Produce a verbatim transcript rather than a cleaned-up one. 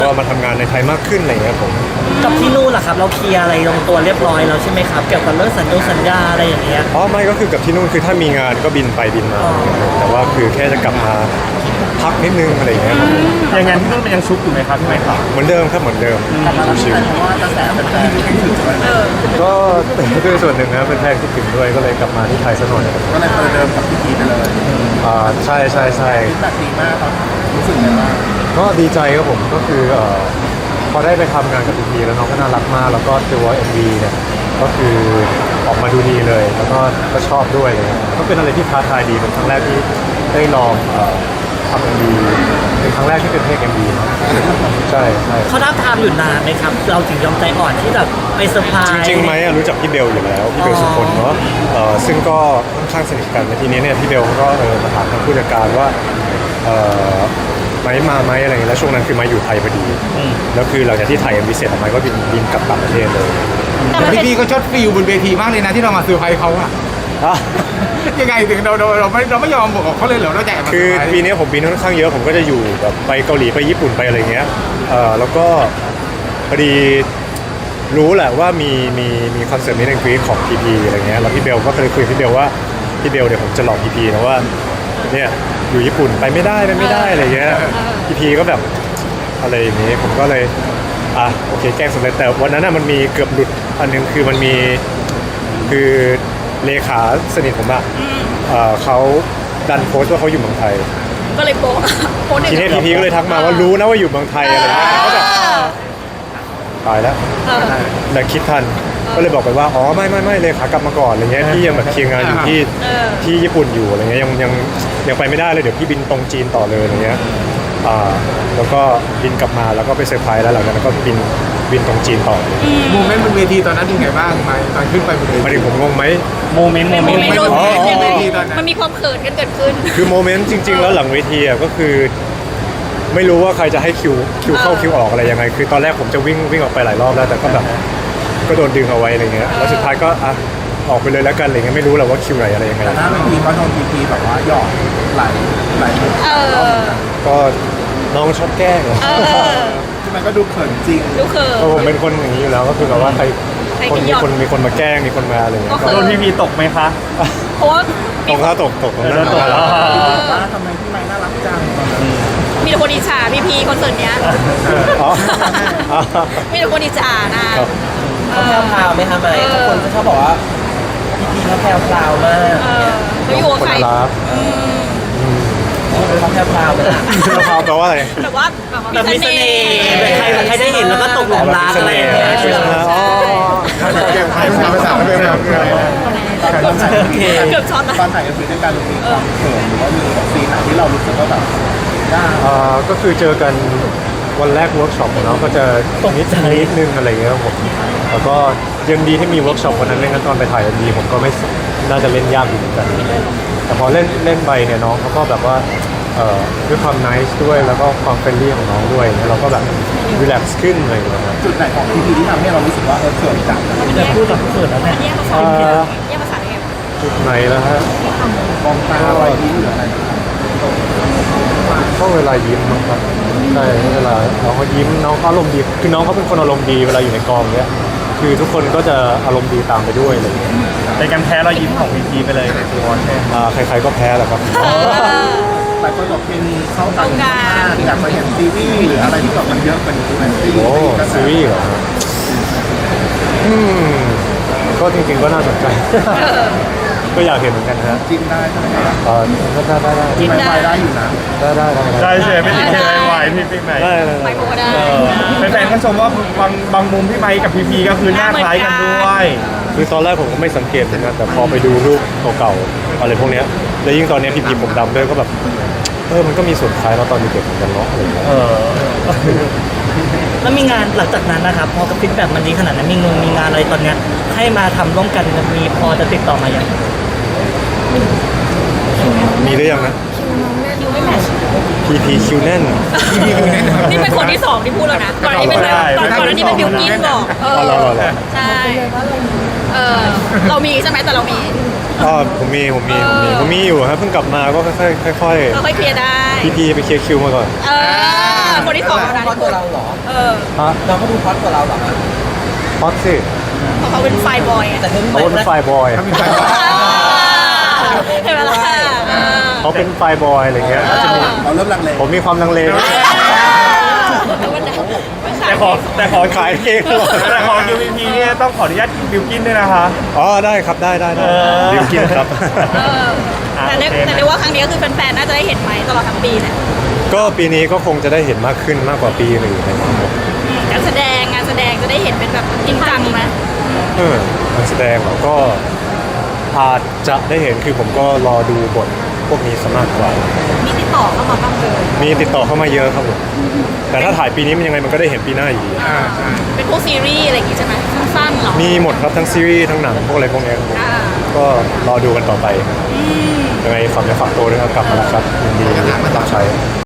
ก็มาทำงานในไทยมากขึ้นอะไรเงี้ยผมกับที่นู่นล่ะครับเราเคลียร์อะไรลงตัวเรียบร้อยแล้วใช่ไหมครับเกี่ยวกับเรื่องสัญญาสัญญาอะไรอย่างเงี้ยอ๋อไม่ก็คือกับที่นู่นคือถ้ามีงานก็บินไปบินมาแต่ว่าคือแค่จะกลับมาพักนิดนึงอะไรเงี้ยอย่างงั้นที่นู่นมันยังชุกอยู่ไหมครับพี่ไมค์ครับเหมือนเดิมครับเหมือนเดิมชิวเพราะว่ากระแสแฟนๆคิดถึงเลยๆก็ด้วยส่วนหนึ่งนะเป็นแฟนคิดถึงด้วยก็เลยกลับมาที่ไทยซะหน่อยก็เลยประเดิมกับพี่พีไปเลยอ่าใช่ใช่ใช่ฟีดแบ็กดีมากครับรู้สึกยังไงบ้างก็ดีใจครับผมก็คือเอ่อพอได้ไปทำงานกับพีพีแล้วน้องก็น่ารักมากแล้วก็ตัว เอ็ม วี เนี่ยก็คือออกมาดูดีเลยแล้วก็ก็ชอบด้วยเลยก็เป็นอะไรที่ท้าทายดีเป็นครั้งแรกที่ได้ลองเอ่อทำ เอ็ม วี เป็นครั้งแรกที่เป็นเพลง เอ็ม วี นะใช่ใช่เขาท้าทามอยู่นานไหมครับเราถึงยอมใจอ่อนที่แบบไปเซอร์ไพรส์จริงๆไหมรู้จักพี่เบลอยู่แล้วพี่เบลสุพลเนาะเอ่อซึ่งก็ค่อนข้างสนิทกันในทีนี้เนี่ยพี่เบลเขาก็เออมาถามทางผู้จัดการว่าเอ่อไม้มาไหมอะไรเงี้ยแล้วช่วงนั้นคือไม้อยู่ไทยพอดีแล้วคือหลังจากที่ถ่ายเอ็มวีเสร็จไม้ก็บินบินกลับต่างประเทศเลยพี่พีก็ชดฟิลบนเวทีมากเลยนะที่เรามาเซอร์ไพรส์เขาอะยังไงถึงเราเราเราไม่เราไม่ยอมบอกเขาเลยเหรอเราแจกมาคือปีนี้ผมบินค่อนข้างเยอะผมก็จะอยู่แบบไปเกาหลีไปญี่ปุ่นไปอะไรเงี้ยเอ่อแล้วก็พอดีรู้แหละว่ามีมีมีคอนเสิร์ตนี้ในกรีซของพีพีอะไรเงี้ยแล้วพี่เบลก็เคยคุยกับพี่เบลว่าพี่เบลเดี๋ยวผมจะหลอกพีพีนะว่าเนี่ยอยู่ญี่ปุ่นไปไม่ได้ไปไม่ได้อะไรเงี้ยพีพีก็แบบอะไรอย่างนี้ผมก็เลยอ่ะโอเคแกล้งสำเร็จแต่วันนั้นน่ะมันมีเกือบหลุดอันนึงคือมันมีคือเลขาสนิทผมอะเอ่อเขาดันโพสต์ว่าเขาอยู่เมืองไทยก็เลยโป๊ะโป๊ะหนึ่งทีนี้พีพีก็เลยทักมาว่ารู้นะว่าอยู่เมืองไทยอะไรเงี้ยก็แบบตายแล้วแต่คิดทันก็เลยบอกไปว่าอ๋อไม่ไม่ไม่เลยขากลับมาก่อนอะไรเงี้ยพี่ยังแบบเคลียร์งานอยู่ที่ที่ญี่ปุ่นอยู่อะไรเงี้ยยังยังยังไปไม่ได้เลยเดี๋ยวพี่บินตรงจีนต่อเลยอะไรเงี้ยอ่าแล้วก็บินกลับมาแล้วก็ไปเซอร์ไพรส์แล้วหลังจากนั้นก็บินบินตรงจีนต่อโมเมนต์บนเวทีตอนนั้นเป็นไงบ้างไหมตอนขึ้นไปบนเวทีมาถึงผมงงไหมโมเมนต์โมเมนต์โมเมนต์ยังไงมันมีความเขินกันเกิดขึ้นคือโมเมนต์จริงๆแล้วหลังเวทีอ่ะก็คือไม่รู้ว่าใครจะให้คิวคิวเข้าคิวออกอะไรยังไงคือตอนแรกผมจะวิ่งวิ่งออกไปหลายรอบแล้วแต่ก็แบบก็โดนดึงเอาไว้อะไรเงี้ยแล้วสุดท้ายก็อ่ะออกไปเลยแล้วกันอะไรเงี้ยไม่รู้แหละว่าคิวไหนอะไรยังไงแต่หน้าเวทีก็โดนพีพีแบบว่าหยอกไหลไหลก็น้องชอบแกล้งที่มันก็ดูเขินจริงดูเขินผมเป็นคนอย่างนี้อยู่แล้วก็คือแบบว่าใครคนมีคนมีคนมาแกล้งมีคนมาอะไรเงี้ยโดนพีพีตกไหมคะเพราะว่าตกถ้าตกตกตรงนั้นตกแล้วว่าทำไมพี่ไม้น่ารักจังมีแต่คนอิจฉาพีพีคอนเสิร์ตเนี้ยมีแต่คนอิจฉานะเขาแพรวพราวไหมคะไหมคนจะชอบบอกว่าพีพีเขาแพรวพราวมากเขาอยู่กับใครเขาแพรวพราวไปละแพรวพราวแปลว่าอะไรแบบว่าแบบมีเสน่ห์ใครใครได้เห็นแล้วก็ตกหลุมรักอะไรอย่างเงี้ยอ๋อเก็บไพ่ภาษาไม่เป็นเกือบช็อตนะตอนถ่ายกันคือด้วยการมีความเขินหรือว่ามีซีนไหนที่เรารู้สึกว่าแบบยากก็คือเจอกันวันแรกเวิร์กช็อปของน้องก็จะนิดนิดนึงอะไรเงี้ยครับผมแล้วก็ยังดีที่มีเวิร์กช็อปวันนั้นเล่นกันตอนไปถ่ายดีผมก็ไม่น่าจะเล่นยากอยู่เหมือนกันแต่พอเล่นเล่นไปเนี่ยน้องเขาก็แบบว่าด้วยความนิสด้วยแล้วก็ความเฟรนลี่ของน้องด้วยเราก็แบบรีแลกซ์ขึ้นอะไรอย่างเงี้ยจุดไหนของพีพีที่ทำให้เรารู้สึกว่าเออเขินจังจะพูดแบบเขินแล้วเนี่ยแยกภาษาแยกภาษาได้ไงจุดไหนแล้วฮะมองตาอะไรยิ้มหรืออะไรก็เวลายิ้มครับใช่เวลาน้องเขายิ้มน้องเขาอารมณ์ดีคือน้องเขาเป็นคนอารมณ์ดีเวลาอยู่ในกองเนี้ยคือทุกคนก็จะอารมณ์ดีตามไปด้วยอะไรอย่างเงี้ยในการแพ้เรายิ้มของพีพีไปเลยในตัวใช่อ่าใครๆก็แพ้แหละครับหลายคนบอกเพลงเข้ากันมากอยากไปเห็นซีรีส์หรืออะไรที่แบบมันเยอะเป็นซีรีส์โอ้ซีรีส์เหรออืมก็จริงๆก็น่าสนใจก็อยากเห็นเหมือนกันฮะจิ้มได้ใช่ไหมครับเออได้ได้ได้จิ้มได้ได้อยู่นะได้ได้ได้ได้เชฟไม่ติดอะไรไหวพี่พี่ไหมได้ได้ไปโบได้แฟนๆก็ชมว่าบางบางมุมพี่ไมค์กับพีพีก็คือหน้าคล้ายกันด้วยคือตอนแรกผมก็ไม่สังเกตเหมือนกันแต่พอไปดูรูปเก่าๆอะไรพวกนี้แล้วยิ่งตอนนี้พีพีผมดำด้วยก็แบบเออมันก็มีส่วนคล้ายเราตอนเด็กๆเหมือนกันเนาะอะไรอย่างเงี้ยแล้วมีงานหลังจากนั้นนะครับพอกับฟีดแบ็กมันดีขนาดนั้นมีงงมีงานอะไรตอนเนี้ยให้มาทำร่วมกันมีพอจะติดต่อมาอย่างมีหรือยังนะคิวไม่แมทช์พีพีคิวแน่นนี่เป็นคนที่สองที่พูดแล้วนะก่อนนี้เป็นแบบก่อนก่อนนี้เป็นบิวกิ้นบอกเออใช่เออเรามีใช่ไหมแต่เรามีอ๋อผมมีผมมีผมมีผมมีอยู่ครับเพิ่งกลับมาก็ค่อยๆค่อยๆค่อยเคลียร์ได้พีพีไปเคลียร์คิวมาก่อนเออเป็นคนที่สองแล้วนะพอดกว่าเราเหรอเออฮะเราก็ดูพอดกว่าเราเหรอครับฮอตสิเพราะเขาเป็นไฟบอยไงแต่เธอเขาเป็นไฟบอยเขาเป็นไฟบอยเห็นไหมล่ะเออเขาเป็นไฟบอยอะไรเงี้ยเราเริ่มลังเลผมมีความลังเลแต่ขอแต่ขอขายเองตลอดแต่ขอ คิว พี พี เนี่ยต้องขออนุญาตบิวกินด้วยนะคะอ๋อได้ครับได้ได้ได้เออดิวกินครับเออแต่เรียกแต่เรียกว่าครั้งนี้ก็คือแฟนๆน่าจะได้เห็นไหมตลอดทั้งปีเนี่ยก็ปีนี้ก็คงจะได้เห็นมากขึ้นมากกว่าปีอื่นนะครับผมการแสดงงานแสดงจะได้เห็นเป็นแบบจริงจังไหมเออการแสดงเราก็อาจจะได้เห็นคือผมก็รอดูบทพวกนี้ซะมากกว่ามีติดต่อเข้ามาบ้างเลยมีติดต่อเข้ามาเยอะครับผมแต่ถ้าถ่ายปีนี้มันยังไงมันก็ได้เห็นปีหน้าอยู่ดีอ่าใช่เป็นพวกซีรีส์อะไรอย่างงี้ใช่ไหมสั้นๆเหรอมีหมดครับทั้งซีรีส์ทั้งหนังพวกอะไรพวกเนี้ยครับผมอ่าก็รอดูกันต่อไปยังไงฝากเนื้อฝากตัวด้วยครับกลับมาแล้วครับยินดีรับใช้